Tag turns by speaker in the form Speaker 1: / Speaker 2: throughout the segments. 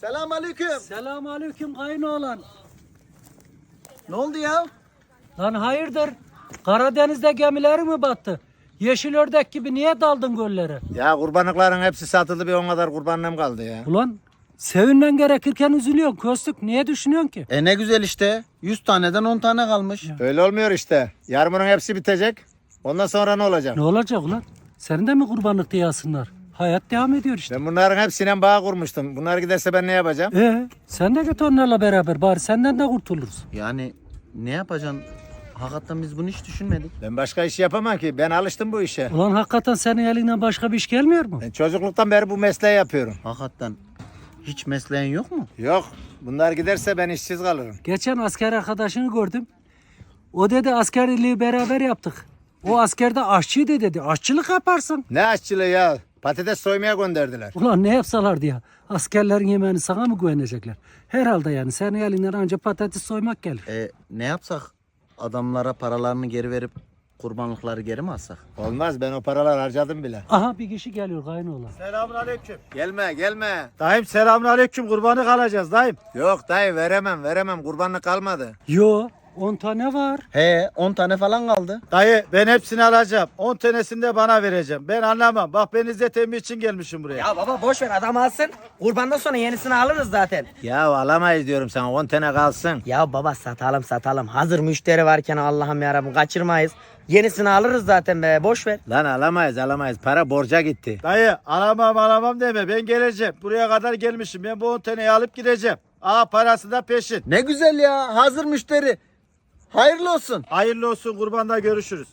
Speaker 1: Selamünaleyküm.
Speaker 2: Selamünaleyküm kayınoğlan.
Speaker 1: Ne oldu ya?
Speaker 2: Lan hayırdır? Karadeniz'de gemileri mi battı? Yeşil ördek gibi niye daldın göllere?
Speaker 1: Ya kurbanlıkların hepsi satıldı, bir 10 kadar kurbanlığım kaldı ya.
Speaker 2: Ulan sevinmen gerekirken üzülüyorsun Köstük. Niye düşünüyorsun ki?
Speaker 3: Ne güzel işte. 100 taneden 10 tane kalmış.
Speaker 1: Öyle olmuyor işte. Yarın bunun hepsi bitecek. Ondan sonra ne olacak?
Speaker 2: Ne olacak ulan? Senin de mi kurbanlık diyasınlar? Hayat devam ediyor işte.
Speaker 1: Ben bunların hepsine bağ kurmuştum. Bunlar giderse ben ne yapacağım?
Speaker 2: Sen de git onlarla beraber bari senden de kurtuluruz.
Speaker 3: Yani ne yapacaksın? Hakikaten biz bunu hiç düşünmedik.
Speaker 1: Ben başka iş yapamam ki. Ben alıştım bu işe.
Speaker 2: Ulan hakikaten senin elinden başka bir iş gelmiyor mu?
Speaker 1: Ben çocukluktan beri bu mesleği yapıyorum.
Speaker 3: Hakikaten hiç mesleğin yok mu?
Speaker 1: Yok. Bunlar giderse ben işsiz kalırım.
Speaker 2: Geçen asker arkadaşını gördüm. O dedi askerliği beraber yaptık. O askerde aşçıydı dedi. Aşçılık yaparsın.
Speaker 1: Ne aşçılığı ya? Patates soymaya gönderdiler.
Speaker 2: Ulan ne yapsalardı ya? Askerlerin yemeğini sana mı güvenecekler? Herhalde yani senin elinden ancak patates soymak gelir.
Speaker 3: Ne yapsak? Adamlara paralarını geri verip kurbanlıkları geri mi alsak?
Speaker 1: Olmaz, ben o paralar harcadım bile.
Speaker 2: Aha bir kişi geliyor kaynoğlan.
Speaker 4: Selamünaleyküm.
Speaker 1: Gelme.
Speaker 4: Dayım selamünaleyküm. Kurbanlık alacağız dayım.
Speaker 1: Yok dayı, veremem. Kurbanlık kalmadı.
Speaker 2: Yo 10 tane var.
Speaker 3: 10 tane falan kaldı.
Speaker 4: Dayı ben hepsini alacağım. 10 tanesini de bana vereceğim. Ben anlamam. Bak ben İzzet emmi için gelmişim buraya.
Speaker 5: Ya baba boş ver adam alsın. Kurbandan sonra yenisini alırız zaten.
Speaker 1: Ya alamayız diyorum sana, 10 tane kalsın.
Speaker 5: Ya baba satalım. Hazır müşteri varken Allah'ım yarabbim kaçırmayız. Yenisini alırız zaten be boş ver.
Speaker 1: Lan alamayız. Para borca gitti.
Speaker 4: Dayı alamam deme. Ben geleceğim. Buraya kadar gelmişim. Ben bu 10 taneyi alıp gideceğim. Parası da peşin.
Speaker 3: Ne güzel ya. Hazır müşteri. Hayırlı olsun.
Speaker 4: Hayırlı olsun, kurbanda görüşürüz.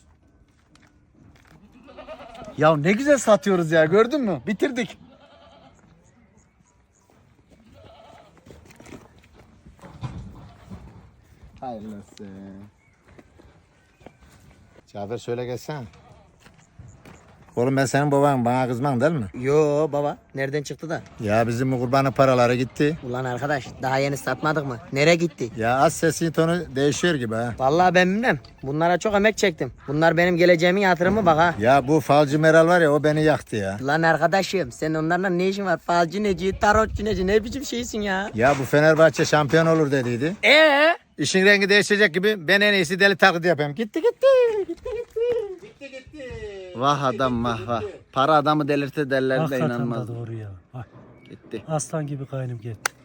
Speaker 3: Ya ne güzel satıyoruz ya, gördün mü? Bitirdik.
Speaker 1: Hayırlı olsun. Cafer şöyle gelsene. Oğlum ben senin baban, bana kızman değil mi?
Speaker 5: Yo baba nereden çıktı da?
Speaker 1: Ya bizim bu kurbanın paraları gitti.
Speaker 5: Ulan arkadaş daha yeni satmadık mı? Nereye gitti?
Speaker 1: Ya az sesin tonu değişiyor gibi ha.
Speaker 5: Vallahi ben bilmem. Bunlara çok emek çektim. Bunlar benim geleceğimin yatırımı bak ha.
Speaker 1: Ya bu falcı Meral var ya, o beni yaktı ya.
Speaker 5: Lan arkadaşım sen onlarla ne işin var? Falcı neci, tarotçu neci ne biçim şeysin ya?
Speaker 1: Ya bu Fenerbahçe şampiyon olur dediydi. İşin rengi değişecek gibi ben en iyisi deli taklidi yapayım. Gitti.
Speaker 3: Vah adam vah. Para adamı delirtir derler de
Speaker 2: Hakikaten de
Speaker 3: inanmaz.
Speaker 2: doğru ya. Bak,
Speaker 3: Gitti.
Speaker 2: aslan gibi kaynım gitti.